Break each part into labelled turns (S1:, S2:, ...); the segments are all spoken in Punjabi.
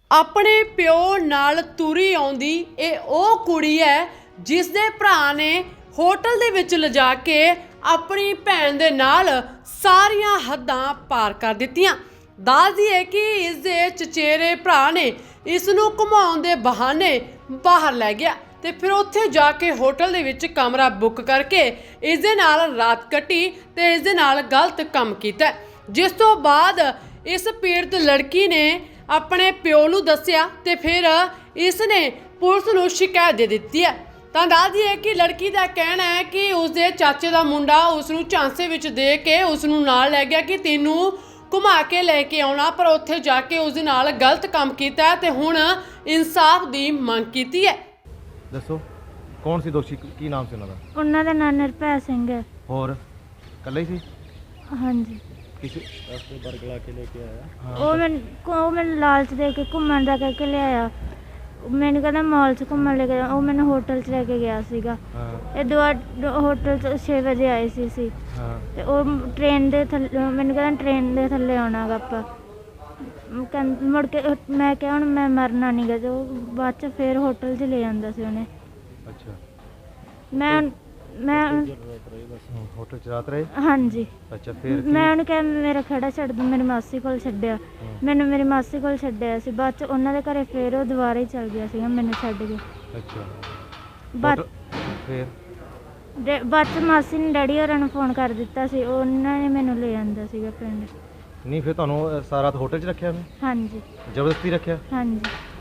S1: ਆਪਣੇ ਪਿਓ ਨਾਲ ਤੁਰੀ ਆਉਂਦੀ ਇਹ ਉਹ ਕੁੜੀ ਹੈ ਜਿਸ ਦੇ ਭਰਾ ਨੇ ਹੋਟਲ ਦੇ ਵਿੱਚ ਲਿਜਾ ਕੇ ਆਪਣੀ ਭੈਣ ਦੇ ਨਾਲ ਸਾਰੀਆਂ ਹੱਦਾਂ ਪਾਰ ਕਰ ਦਿੱਤੀਆਂ। ਦੱਸਦੀ ਹੈ ਕਿ ਇਸ ਦੇ ਚਚੇਰੇ ਭਰਾ ਨੇ ਇਸ ਨੂੰ ਘੁਮਾਉਣ ਦੇ ਬਹਾਨੇ ਬਾਹਰ ਲੈ ਗਿਆ ਤੇ ਫਿਰ ਉੱਥੇ ਜਾ ਕੇ ਹੋਟਲ ਦੇ ਵਿੱਚ ਕਮਰਾ ਬੁੱਕ ਕਰਕੇ ਇਸ ਦੇ ਨਾਲ ਰਾਤ ਕੱਟੀ ਤੇ ਇਸ ਦੇ ਨਾਲ ਗਲਤ ਕੰਮ ਕੀਤਾ, ਜਿਸ ਤੋਂ ਬਾਅਦ ਇਸ ਪੀੜਤ ਲੜਕੀ ਨੇ ਆਪਣੇ ਪਿਓ ਨੂੰ ਦੱਸਿਆ ਤੇ ਫਿਰ ਇਸ ਨੇ ਪੁਲਿਸ ਨੂੰ ਸ਼ਿਕਾਇਤ ਦੇ ਦਿੱਤੀ ਹੈ। ਤਾਂ ਦੱਸਦੀ ਹੈ ਕਿ ਲੜਕੀ ਦਾ ਕਹਿਣਾ ਹੈ ਕਿ ਉਸਦੇ ਚਾਚੇ ਦਾ ਮੁੰਡਾ ਉਸ ਨੂੰ ਝਾਂਸੇ ਵਿੱਚ ਦੇ ਕੇ ਉਸ ਨੂੰ ਨਾਲ ਲੈ ਗਿਆ ਕਿ ਤੈਨੂੰ ਘੁਮਾ ਕੇ ਲੈ ਕੇ ਆਉਣਾ, ਪਰ ਉੱਥੇ ਜਾ ਕੇ ਉਸ ਦੇ ਨਾਲ ਗਲਤ ਕੰਮ ਕੀਤਾ ਤੇ ਹੁਣ ਇਨਸਾਫ ਦੀ ਮੰਗ ਕੀਤੀ ਹੈ।
S2: ਦੱਸੋ ਕੌਣ ਸੀ ਦੋਸ਼ੀ, ਕੀ ਨਾਮ ਸੀ ਉਹਨਾਂ ਦਾ?
S3: ਉਹਨਾਂ ਦਾ ਨਾਂ ਨਿਰਭੈ ਸਿੰਘ ਹੈ।
S2: ਹੋਰ ਇਕੱਲਾ ਹੀ ਸੀ?
S3: ਹਾਂਜੀ।
S2: ਕਿਸੇ
S4: ਰਸਤੇ ਬਰਗਲਾ ਕੇ ਲੈ ਕੇ ਆਇਆ।
S3: ਉਹ ਮੈਨੂੰ ਲਾਲਚ ਦੇ ਕੇ ਘੁੰਮਣ ਦਾ ਕਹਿ ਕੇ ਲਿਆਇਆ। ਮੈਨੂੰ ਕਹਿੰਦਾ ਮਾਲ 'ਚ ਘੁੰਮਣ ਲੈ ਕੇ ਉਹ ਮੈਨੂੰ ਹੋਟਲ 'ਚ ਲੈ ਕੇ ਗਿਆ ਸੀਗਾ। ਇਹ ਹੋਟਲ 'ਚ 6 ਵਜੇ ਆਏ ਸੀ ਤੇ ਉਹ ਟ੍ਰੇਨ ਦੇ ਥੱਲੇ ਮੈਨੂੰ ਕਹਿੰਦਾ ਟ੍ਰੇਨ ਦੇ ਥੱਲੇ ਆਉਣਾ ਗਾ ਆਪਾਂ। ਮੁੜ ਕੇ ਮੈਂ ਕਿਹਾ ਹੁਣ ਮੈਂ ਮਰਨਾ ਨਹੀਂ ਗਾ, ਤੇ ਉਹ ਬਾਅਦ 'ਚ ਫਿਰ ਹੋਟਲ 'ਚ ਲੈ ਜਾਂਦਾ ਸੀ ਉਹਨੇ।
S2: ਅੱਛਾ।
S3: ਮੈਂ
S2: ਹੋਟਲ 'ਚ ਰਾਤ ਰਹੇ?
S3: ਹਾਂਜੀ।
S2: ਅੱਛਾ ਫਿਰ
S3: ਮੈਂ ਉਹਨੂੰ ਕਿਹਾ ਮੇਰਾ ਖੜਾ ਛੱਡ ਦੂੰ, ਮੇਰੀ ਮਾਸੀ ਕੋਲ ਛੱਡਿਆ। ਮੈਨੂੰ ਮੇਰੀ ਮਾਸੀ ਕੋਲ ਛੱਡਿਆ ਸੀ, ਬਾਅਦ 'ਚ ਉਹਨਾਂ ਦੇ ਘਰੇ ਫਿਰ ਉਹ ਦੁਬਾਰਾ ਹੀ ਚਲ ਗਿਆ ਸੀਗਾ ਮੈਨੂੰ ਛੱਡ ਕੇ।
S2: ਅੱਛਾ
S3: ਫਿਰ ਬਾਅਦ 'ਚ ਮਾਸੀ ਨੇ ਡੈਡੀ ਹੋਰਾਂ ਨੂੰ ਫੋਨ ਕਰ ਦਿੱਤਾ ਸੀ, ਉਹਨਾਂ ਨੇ ਮੈਨੂੰ ਲੈ ਆਂਦਾ ਸੀਗਾ ਪਿੰਡ।
S2: ਨਹੀਂ ਫਿਰ ਤੁਹਾਨੂੰ ਸਾਰਾ ਰਾਤ ਹੋਟਲ 'ਚ ਰੱਖਿਆ ਉਹਨੇ?
S3: ਹਾਂਜੀ।
S2: ਜ਼ਬਰਦਸਤੀ ਰੱਖਿਆ?
S3: ਹਾਂਜੀ।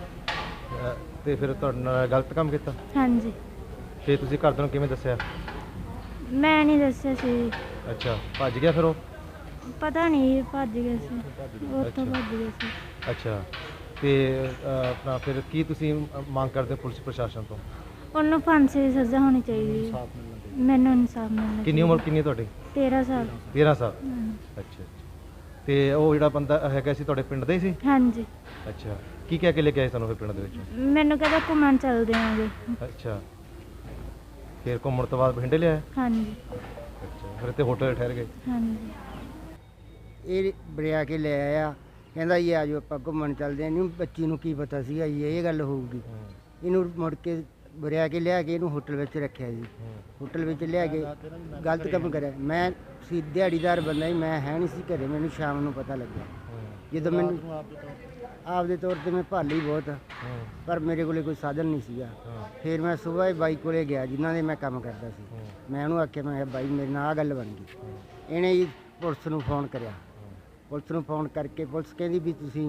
S2: ਤੇ ਫਿਰ ਤੁਹਾਡੇ ਨਾਲ ਗਲਤ ਕੰਮ ਕੀਤਾ?
S3: ਹਾਂਜੀ।
S2: ਤੇ ਤੁਸੀਂ ਘਰਦਿਆਂ ਨੂੰ ਕਿਵੇਂ ਦੱਸਿਆ?
S3: ਮੈਂ ਨਹੀਂ ਦੱਸਿਆ ਸੀ।
S2: ਅੱਛਾ ਭੱਜ ਗਿਆ ਫਿਰ ਉਹ?
S3: ਪਤਾ ਨਹੀਂ ਭੱਜ ਗਿਆ ਸੀ, ਉੱਥੋਂ ਭੱਜ ਗਿਆ ਸੀ।
S2: ਅੱਛਾ ਤੇ ਆਪਣਾ ਫਿਰ ਕੀ ਤੁਸੀਂ ਮੰਗ ਕਰਦੇ ਹੋ ਪੁਲਿਸ ਪ੍ਰਸ਼ਾਸਨ ਤੋਂ?
S3: ਉਹਨੂੰ ਫਾਂਸੀ ਦੀ ਸਜ਼ਾ ਹੋਣੀ ਚਾਹੀਦੀ ਹੈ। ਮੈਨੂੰ ਇਨਸਾਫ ਮਿਲਣਾ।
S2: ਕਿੰਨੀ ਉਮਰ ਕਿੰਨੀ ਤੁਹਾਡੀ?
S3: 13 ਸਾਲ।
S2: 13 ਸਾਲ। ਅੱਛਾ। ਤੇ ਉਹ ਜਿਹੜਾ ਬੰਦਾ ਹੈਗਾ ਸੀ ਤੁਹਾਡੇ ਪਿੰਡ ਦਾ ਹੀ ਸੀ?
S3: ਹਾਂਜੀ।
S2: ਅੱਛਾ ਕੀ ਕਹਿ ਕੇ ਲੈ ਕੇ ਆਏ ਸਾਨੂੰ ਫਿਰ ਪਿੰਡ ਦੇ ਵਿੱਚ?
S3: ਮੈਨੂੰ ਕਹਿੰਦਾ ਘੁੰਮਣ ਚੱਲਦੇ ਆਂਗੇ।
S2: ਅੱਛਾ ਫਿਰ ਘੁੰਮਣ ਤੋਂ ਬਾਅਦ ਬਠਿੰਡੇ ਲਿਆਇਆ?
S3: ਹਾਂਜੀ।
S2: ਅੱਛਾ ਫਿਰ ਇੱਥੇ ਹੋਟਲ ਠਹਿਰ ਗਏ?
S3: ਹਾਂਜੀ।
S5: ਇਹ ਬਰਿਆ ਕੇ ਲੈ ਆਇਆ, ਕਹਿੰਦਾ ਜੀ ਆ ਜਾਓ ਆਪਾਂ ਘੁੰਮਣ ਚੱਲਦੇ ਹਾਂ। ਇਹਨੂੰ ਬੱਚੀ ਨੂੰ ਕੀ ਪਤਾ ਸੀਗਾ ਜੀ ਇਹ ਗੱਲ ਹੋਊਗੀ। ਇਹਨੂੰ ਮੁੜ ਕੇ ਬਰਿਆ ਕੇ ਲਿਆ ਕੇ ਇਹਨੂੰ ਹੋਟਲ ਵਿੱਚ ਰੱਖਿਆ ਜੀ। ਹੋਟਲ ਵਿੱਚ ਲਿਆ ਕੇ ਗਲਤ ਕੰਮ ਕਰਿਆ। ਮੈਂ ਸੀ ਦਿਹਾੜੀਦਾਰ ਬੰਦਾ ਜੀ, ਮੈਂ ਹੈ ਨਹੀਂ ਸੀ ਘਰੇ। ਮੈਨੂੰ ਸ਼ਾਮ ਨੂੰ ਪਤਾ ਲੱਗਿਆ ਜਦੋਂ ਮੈਨੂੰ ਆਪਦੇ ਤੌਰ 'ਤੇ ਮੈਂ ਭਾਲੀ ਬਹੁਤ, ਪਰ ਮੇਰੇ ਕੋਲੇ ਕੋਈ ਸਾਧਨ ਨਹੀਂ ਸੀਗਾ। ਫਿਰ ਮੈਂ ਸੁਬਾਹ ਹੀ ਬਾਈ ਕੋਲੇ ਗਿਆ ਜਿਨ੍ਹਾਂ ਦੇ ਮੈਂ ਕੰਮ ਕਰਦਾ ਸੀ। ਮੈਂ ਉਹਨੂੰ ਆਖਿਆ, ਮੈਂ ਕਿਹਾ ਬਾਈ ਮੇਰੇ ਨਾਲ ਆਹ ਗੱਲ ਬਣ ਗਈ। ਇਹਨੇ ਜੀ ਪੁਲਿਸ ਨੂੰ ਫੋਨ ਕਰਿਆ। ਪੁਲਿਸ ਨੂੰ ਫੋਨ ਕਰਕੇ ਪੁਲਿਸ ਕਹਿੰਦੀ ਵੀ ਤੁਸੀਂ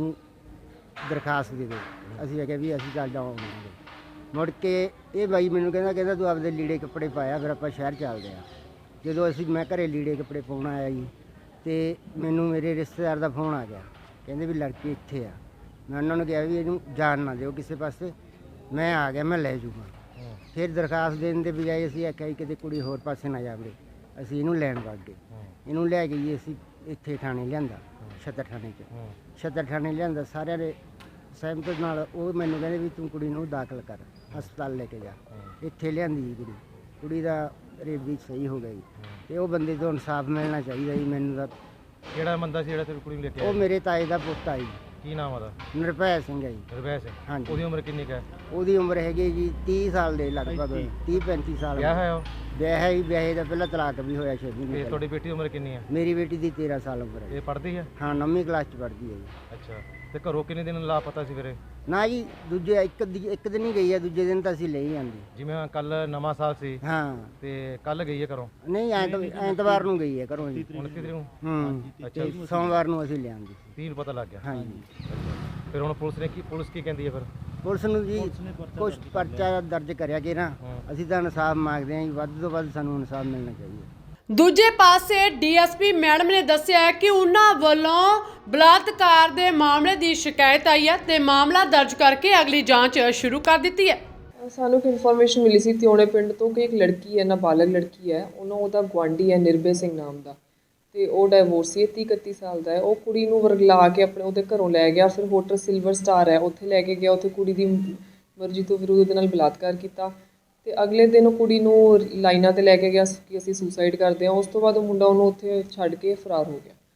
S5: ਦਰਖਾਸਤ ਦੇ ਦਿਓ। ਅਸੀਂ ਆਖਿਆ ਵੀ ਅਸੀਂ ਚੱਲ ਜਾਵਾਂਗੇ। ਮੁੜ ਕੇ ਇਹ ਬਾਈ ਮੈਨੂੰ ਕਹਿੰਦਾ ਤੂੰ ਆਪਦੇ ਲੀੜੇ ਕੱਪੜੇ ਪਾਇਆ, ਫਿਰ ਆਪਾਂ ਸ਼ਹਿਰ ਚੱਲਦੇ ਹਾਂ। ਜਦੋਂ ਮੈਂ ਘਰੇ ਲੀੜੇ ਕੱਪੜੇ ਪਾਉਣ ਆਇਆ ਜੀ, ਤੇ ਮੈਨੂੰ ਮੇਰੇ ਰਿਸ਼ਤੇਦਾਰ ਦਾ ਫੋਨ ਆ ਗਿਆ, ਕਹਿੰਦੇ ਵੀ ਲੜਕੀ ਇੱਥੇ ਆ। ਮੈਂ ਉਹਨਾਂ ਨੂੰ ਕਿਹਾ ਵੀ ਇਹਨੂੰ ਜਾਣ ਨਾ ਦਿਓ ਕਿਸੇ ਪਾਸੇ, ਮੈਂ ਆ ਗਿਆ, ਮੈਂ ਲੈ ਜੂਗਾ। ਫਿਰ ਦਰਖਾਸਤ ਦੇਣ ਦੇ ਬਜਾਏ ਅਸੀਂ ਆਖਿਆ ਕਿਤੇ ਕੁੜੀ ਹੋਰ ਪਾਸੇ ਨਾ ਜਾਵੇ। ਅਸੀਂ ਇਹਨੂੰ ਲੈਣ ਵਗ ਗਏ। ਇਹਨੂੰ ਲੈ ਕੇ ਜੀ ਅਸੀਂ ਇੱਥੇ ਥਾਣੇ ਲਿਆਂਦਾ, ਛੱਤਰ ਥਾਣੇ 'ਚ। ਛੱਤਰ ਥਾਣੇ ਲਿਆਂਦਾ ਸਾਰਿਆਂ ਦੇ ਸਹਿਮਤ ਨਾਲ। ਉਹ ਮੈਨੂੰ ਕਹਿੰਦੇ ਵੀ ਤੂੰ ਕੁੜੀ ਨੂੰ ਦਾਖਲ ਕਰ, ਹਸਪਤਾਲ ਲੈ ਕੇ ਜਾ। ਇੱਥੇ ਲਿਆਂਦੀ ਜੀ ਕੁੜੀ ਦਾ ਰੇਪ ਵੀ ਸਹੀ ਹੋ ਗਈ। ਤੇ ਉਹ ਬੰਦੇ ਤੋਂ ਇਨਸਾਫ ਮਿਲਣਾ ਚਾਹੀਦਾ ਜੀ ਮੈਨੂੰ ਤਾਂ।
S2: ਕਿਹੜਾ ਬੰਦਾ ਸੀ ਜਿਹੜਾ ਤੇਰੀ ਕੁੜੀ ਨੂੰ ਲੈ ਕੇ ਆਇਆ?
S5: ਉਹ ਮੇਰੇ ਤਾਏ ਦਾ ਪੁੱਤ ਆ ਜੀ।
S2: ਕੀ ਨਾਮ ਉਹਦਾ?
S5: ਨਿਰਭੈ ਸਿੰਘ ਹੈ ਜੀ।
S2: ਨਿਰਭੈ ਸਿੰਘ।
S5: ਹਾਂਜੀ।
S2: ਉਹਦੀ ਉਮਰ ਕਿੰਨੀ ਕੁ ਹੈ?
S5: ਉਹਦੀ ਉਮਰ ਹੈਗੀ ਜੀ 30 ਸਾਲ ਦੇ ਲਗਭਗ, 30-35 ਸਾਲ।
S2: ਵਿਆਹ ਹੈ ਉਹ?
S5: ਵਿਆਹ ਹੀ ਵਿਆਹੇ ਦਾ ਪਹਿਲਾਂ ਤਲਾਕ ਵੀ ਹੋਇਆ 6
S2: ਤੇ
S5: ਮਹੀਨੇ।
S2: ਤੁਹਾਡੀ ਬੇਟੀ ਦੀ ਉਮਰ ਕਿੰਨੀ ਹੈ?
S5: ਮੇਰੀ ਬੇਟੀ ਦੀ 13 ਸਾਲ ਉਮਰ ਹੈ।
S2: ਇਹ ਪੜ੍ਹਦੀ ਹੈ?
S5: ਹਾਂ 9ਵੀਂ ਕਲਾਸ 'ਚ ਪੜ੍ਹਦੀ ਹੈ ਜੀ।
S2: ਅੱਛਾ ਤੇ ਘਰੋਂ ਕਿੰਨੇ ਦਿਨ ਲਾਪਤਾ ਸੀ ਫਿਰ?
S5: ਨਾ ਜੀ ਦੂਜੇ ਇੱਕ ਦਿਨ ਹੀ ਗਈ ਹੈ, ਦੂਜੇ ਦਿਨ ਤਾਂ ਅਸੀਂ ਲੈ ਹੀ ਜਾਂਦੇ।
S2: ਜਿਵੇਂ ਕੱਲ ਨਵਾਂ ਸਾਲ ਸੀ
S5: ਹਾਂ
S2: ਤੇ ਕੱਲ ਗਈ ਹੈ ਘਰੋਂ?
S5: ਨਹੀਂ ਐਤਵਾਰ ਨੂੰ ਗਈ ਹੈ ਘਰੋਂ ਜੀ।
S2: 29 ਤਰੀਕ ਨੂੰ?
S5: ਅੱਛਾ ਸੋਮਵਾਰ ਨੂੰ ਅਸੀਂ ਲਿਆਂਦੀ ਸੀ।
S2: 30 ਨੂੰ ਪਤਾ ਲੱਗ ਗਿਆ?
S5: ਹਾਂਜੀ।
S2: ਫਿਰ ਹੁਣ ਪੁਲਿਸ ਕੀ ਕਹਿੰਦੀ ਹੈ ਫਿਰ?
S5: ਪੁਲਿਸ ਨੂੰ ਜੀ ਕੁਛ ਪਰਚਾ ਦਰਜ ਕਰਿਆ ਕਿ ਨਾ, ਅਸੀਂ ਤਾਂ ਇਨਸਾਫ ਮੰਗਦੇ ਹਾਂ ਜੀ, ਵੱਧ ਤੋਂ ਵੱਧ ਸਾਨੂੰ ਇਨਸਾਫ ਮਿਲਣਾ ਚਾਹੀਦਾ।
S1: ਦੂਜੇ ਪਾਸੇ ਡੀਐਸਪੀ ਮੈਡਮ ਨੇ ਦੱਸਿਆ ਕਿ ਉਹਨਾਂ ਵੱਲੋਂ ਬਲਾਤਕਾਰ ਦੇ ਮਾਮਲੇ ਦੀ ਸ਼ਿਕਾਇਤ ਆਈ ਹੈ ਤੇ ਮਾਮਲਾ ਦਰਜ ਕਰਕੇ ਅਗਲੀ ਜਾਂਚ ਸ਼ੁਰੂ ਕਰ ਦਿੱਤੀ ਹੈ।
S6: ਸਾਨੂੰ ਇੱਕ ਇਨਫੋਰਮੇਸ਼ਨ ਮਿਲੀ ਸੀ ਤਿਉਣੇ ਪਿੰਡ ਤੋਂ ਕਿ ਇੱਕ ਲੜਕੀ ਹੈ, ਨਾਬਾਲਗ ਲੜਕੀ ਹੈ, ਉਹਦਾ ਗੁਆਂਢੀ ਹੈ ਨਿਰਭੈ ਸਿੰਘ ਨਾਮ ਦਾ, ਤੇ ਉਹ ਡਾਈਵੋਰਸੀ ਹੈ, 30-31 ਸਾਲ ਦਾ ਹੈ। ਉਹ ਕੁੜੀ ਨੂੰ ਵਰਗਲਾ ਕੇ ਉਹਦੇ ਘਰੋਂ ਲੈ ਗਿਆ। ਫਿਰ ਹੋਟਲ ਸਿਲਵਰ ਸਟਾਰ ਹੈ ਉੱਥੇ ਲੈ ਕੇ ਗਿਆ। ਉੱਥੇ ਕੁੜੀ ਦੀ ਮਰਜ਼ੀ ਤੋਂ ਫਿਰ ਉਹਦੇ ਨਾਲ ਬਲਾਤਕਾਰ ਕੀਤਾ ਤੇ ਅਗਲੇ ਦਿਨ ਉਹ ਕੁੜੀ ਨੂੰ ਲਾਈਨਾਂ 'ਤੇ ਲੈ ਕੇ ਗਿਆ ਕਿ ਅਸੀਂ ਸੁਸਾਈਡ ਕਰਦੇ ਹਾਂ। ਉਸ ਤੋਂ ਬਾਅਦ ਉਹ ਮੁੰਡਾ ਉਹਨੂੰ ਉੱਥੇ ਛੱਡ ਕੇ ਫਰਾਰ ਹੋ ਗਿਆ।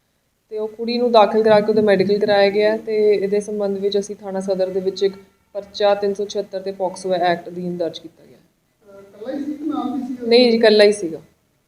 S6: ਤੇ ਉਹ ਕੁੜੀ ਨੂੰ ਦਾਖਲ ਕਰਾ ਕੇ ਉਹਦਾ ਮੈਡੀਕਲ ਕਰਾਇਆ ਗਿਆ ਤੇ ਇਹਦੇ ਸੰਬੰਧ ਵਿੱਚ ਅਸੀਂ ਥਾਣਾ ਸਦਰ ਦੇ ਵਿੱਚ ਇੱਕ ਪਰਚਾ 376 ਤੇ ਪੋਕਸੋ ਐਕਟ ਅਧੀਨ ਦਰਜ ਕੀਤਾ ਗਿਆ। ਨਹੀਂ ਜੀ, ਇਕੱਲਾ ਹੀ ਸੀਗਾ।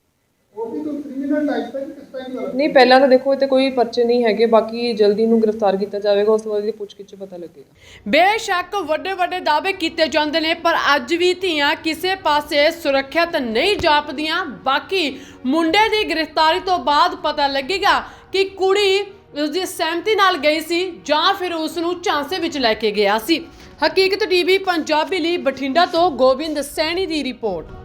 S6: ਨਹੀਂ, ਪਹਿਲਾਂ ਤਾਂ ਦੇਖੋ ਇੱਥੇ ਕੋਈ ਪਰਚੇ ਨਹੀਂ ਹੈਗੇ, ਬਾਕੀ ਜਲਦੀ ਨੂੰ ਗ੍ਰਿਫਤਾਰ ਕੀਤਾ ਜਾਵੇਗਾ, ਉਸ ਤੋਂ ਬਾਅਦ ਦੀ ਪੁੱਛਗਿੱਛ 'ਚ ਪਤਾ ਲੱਗੇਗਾ।
S1: ਬੇਸ਼ੱਕ ਵੱਡੇ ਵੱਡੇ ਦਾਅਵੇ ਕੀਤੇ ਜਾਂਦੇ ਨੇ, ਪਰ ਅੱਜ ਵੀ ਧੀਆਂ ਕਿਸੇ ਪਾਸੇ ਸੁਰੱਖਿਅਤ ਨਹੀਂ ਜਾਪਦੀਆਂ। ਬਾਕੀ ਮੁੰਡੇ ਦੀ ਗ੍ਰਿਫਤਾਰੀ ਤੋਂ ਬਾਅਦ ਪਤਾ ਲੱਗੇਗਾ ਕਿ ਕੁੜੀ ਉਸਦੀ ਸਹਿਮਤੀ ਨਾਲ ਗਈ ਸੀ ਜਾਂ ਫਿਰ ਉਸ ਨੂੰ ਝਾਂਸੇ ਵਿੱਚ ਲੈ ਕੇ ਗਿਆ ਸੀ। ਹਕੀਕਤ ਟੀਵੀ ਪੰਜਾਬੀ ਲਈ ਬਠਿੰਡਾ ਤੋਂ ਗੋਬਿੰਦ ਸੈਣੀ ਦੀ ਰਿਪੋਰਟ।